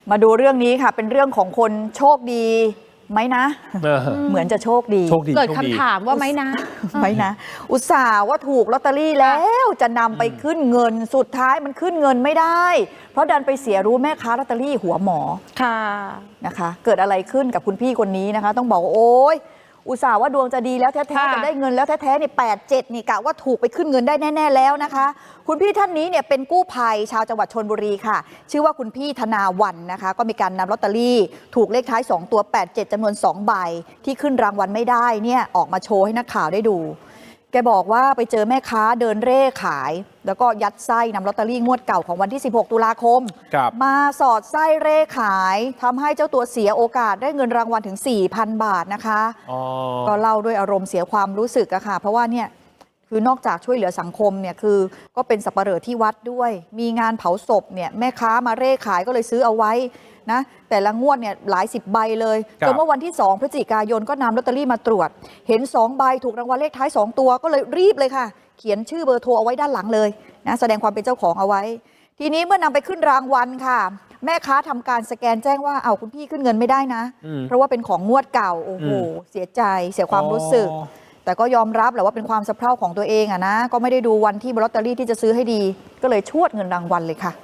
มาดูเรื่องนี้ค่ะเป็นเรื่องของคนโชคดีไหมนะเหมือนจะโชคดีเกิดคำถามว่าไหมนะไหมนะอุตส่าห์ว่าถูกลอตเตอรี่แล้วจะนำไปขึ้นเงินสุดท้ายมันขึ้นเงินไม่ได้เพราะดันไปเสียรู้แม่ค้าลอตเตอรี่หัวหมอค่ะนะคะเกิดอะไรขึ้นกับคุณพี่คนนี้นะคะต้องบอกว่าโอ๊ยอุตส่าห์ว่าดวงจะดีแล้วแท้ๆจะได้เงินแล้วแท้ๆเนี่ย87นี่กะว่าถูกไปขึ้นเงินได้แน่ๆแล้วนะคะคุณพี่ท่านนี้เนี่ยเป็นกู้ภัยชาวจังหวัดชลบุรีค่ะชื่อว่าคุณพี่ธนาวันนะคะก็มีการนำลอตเตอรี่ถูกเลขท้าย2ตัว87จำนวน2ใบที่ขึ้นรางวัลไม่ได้เนี่ยออกมาโชว์ให้นักข่าวได้ดูแกบอกว่าไปเจอแม่ค้าเดินเร่ขายแล้วก็ยัดไส้นำลอตเตอรี่งวดเก่าของวันที่16ตุลาคมมาสอดไส้เร่ขายทำให้เจ้าตัวเสียโอกาสได้เงินรางวัลถึง 4,000 บาทนะคะก็เล่าด้วยอารมณ์เสียความรู้สึกอะค่ะเพราะว่าเนี่ยคือนอกจากช่วยเหลือสังคมเนี่ยคือก็เป็นสับปะเหร่อที่วัดด้วยมีงานเผาศพเนี่ยแม่ค้ามาเร่ขายก็เลยซื้อเอาไว้นะแต่ละงวดเนี่ยหลาย10ใบเลยจนเมื่อวันที่2พฤศจิกายนก็นำลอตเตอรี่มาตรวจเห็น2ใบถูกรางวัลเลขท้าย2ตัวก็เลยรีบเลยค่ะเขียนชื่อเบอร์โทรเอาไว้ด้านหลังเลยนะแสดงความเป็นเจ้าของเอาไว้ทีนี้เมื่อนำไปขึ้นรางวัลค่ะแม่ค้าทำการสแกนแจ้งว่าเอาคุณพี่ขึ้นเงินไม่ได้นะเพราะว่าเป็นของงวดเก่าโอ้โหเสียใจเสียความรู้สึกแต่ก็ยอมรับแหละว่าเป็นความสะเพร่าของตัวเองอะนะก็ไม่ได้ดูวันที่ลอตเตอรี่ที่จะซื้อให้ดีก็เลยชวดเงินรางวัลเลยค่ะ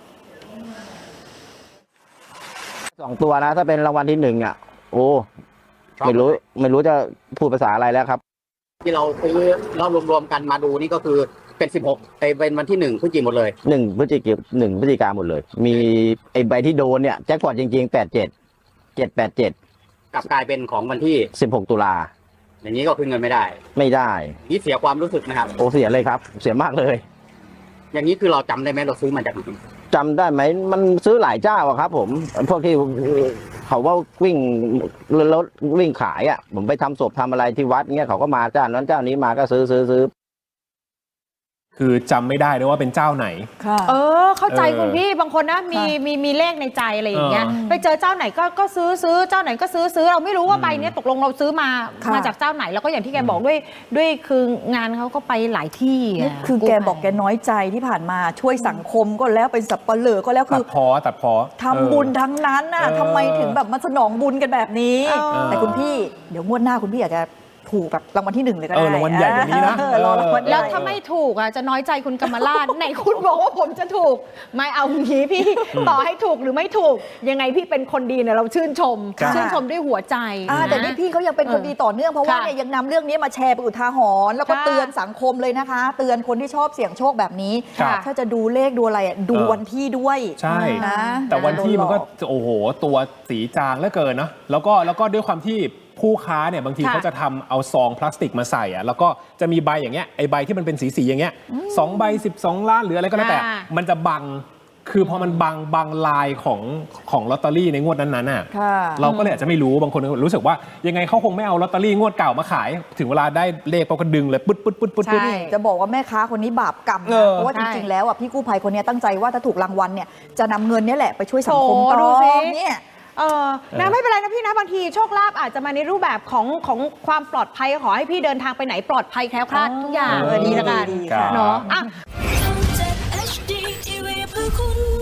2ตัวนะถ้าเป็นรางวัลที่1อ่ะโอ้ไม่รู้จะพูดภาษาอะไรแล้วครับที่เราซื้อเรารวมๆกันมาดูนี่ก็คือเป็น16เป็นวันที่1พฤศจิกายนหมดเลย 1พฤศจิกายนหมดเลยมีไอ้ใบที่โดนเนี่ยแจ็คพอตจริงๆ787 กลับกลายเป็นของวันที่ 16ตุลาอย่างนี้ก็คืนเงินไม่ได้นี่เสียความรู้สึกนะครับโอ้เสียเลยครับเสียมากเลยอย่างนี้คือเราจำได้ไหมเราซื้อมาจากไหนจำได้ไหมมันซื้อหลายเจ้าครับผมพวกที่เขาว่าวิ่งรถวิ่งขายอ่ะผมไปทำศพทำอะไรที่วัดเงี้ยเขาก็มาเจ้านั้นเจ้านี้มาก็ซื้อคือจำไม่ได้ด้วยว่าเป็นเจ้าไหนเข้าใจคุณพี่บางคนนะมีเลขในใจอะไรอย่างเงี้ยไปเจอเจ้าไหนก็ซื้อเจ้าไหนก็ซื้อเราไม่รู้ว่าใบนี้ตกลงเราซื้อมาจากเจ้าไหนแล้วก็อย่างที่แกบอกด้วยคืองานเขาก็ไปหลายที่คือแกบอกแกน้อยใจที่ผ่านมาช่วยสังคมก็แล้วเป็นสับปะเหร่อก็แล้วคือตัดพอทำบุญทั้งนั้นน่ะทำไมถึงแบบมาสนองบุญกันแบบนี้แต่คุณพี่เดี๋ยวงวดหน้าคุณพี่อาจจะถูกแบบรางวัลที่1เลยก็ได้รางวัลใหญ่กว่านี้นะแล้วถ้าไม่ถูกอ่ะจะน้อยใจคุณกำมราชไหนคุณบอกว่าผมจะถูกไม่เอางี้พี่ต่อให้ถูกหรือไม่ถูกยังไงพี่เป็นคนดีเนี่ยเราชื่นชมด้วยหัวใจแต่นี่พี่เขายังเป็นคนดีต่อเนื่องเพราะว่าเนี่ยยังนำเรื่องนี้มาแชร์เป็นอุทาหรณ์แล้วก็เตือนสังคมเลยนะคะเตือนคนที่ชอบเสี่ยงโชคแบบนี้ถ้าจะดูเลขดูอะไรดูวันที่ด้วยใช่นะแต่วันที่มันก็โอ้โหตัวสีจางเหลือเกินนะแล้วก็ด้วยความที่ผู้ค้าเนี่ยบางทีเขาจะทำเอาซองพลาสติกมาใส่อ่ะแล้วก็จะมีใบอย่างเงี้ยไอใบที่มันเป็นสีอย่างเงี้ย2ใบ12ล้านหรืออะไรก็แล้วแต่มันจะบังคือพอมันบังลายของลอตเตอรี่ในงวดนั้นๆน่ะเราก็เลยอาจจะไม่รู้บางคนรู้สึกว่ายังไงเขาคงไม่เอาลอตเตอรี่งวดเก่ามาขายถึงเวลาได้เลขเขาก็ดึงเลยปึ๊ดจะบอกว่าแม่ค้าคนนี้บาปกรรมนะเพราะว่าจริงๆแล้วอ่ะพี่กู้ภัยคนนี้ตั้งใจว่าถ้าถูกรางวัลเนี่ยจะนำเงินนี้แหละไปช่วยสังคมต่อเนี่ยนะไม่เป็นไรนะพี่นะบางทีโชคลาภอาจจะมาในรูปแบบของความปลอดภัยขอให้พี่เดินทางไปไหนปลอดภัยแคล้วคลาดทุกอย่างดีละกันเนาะ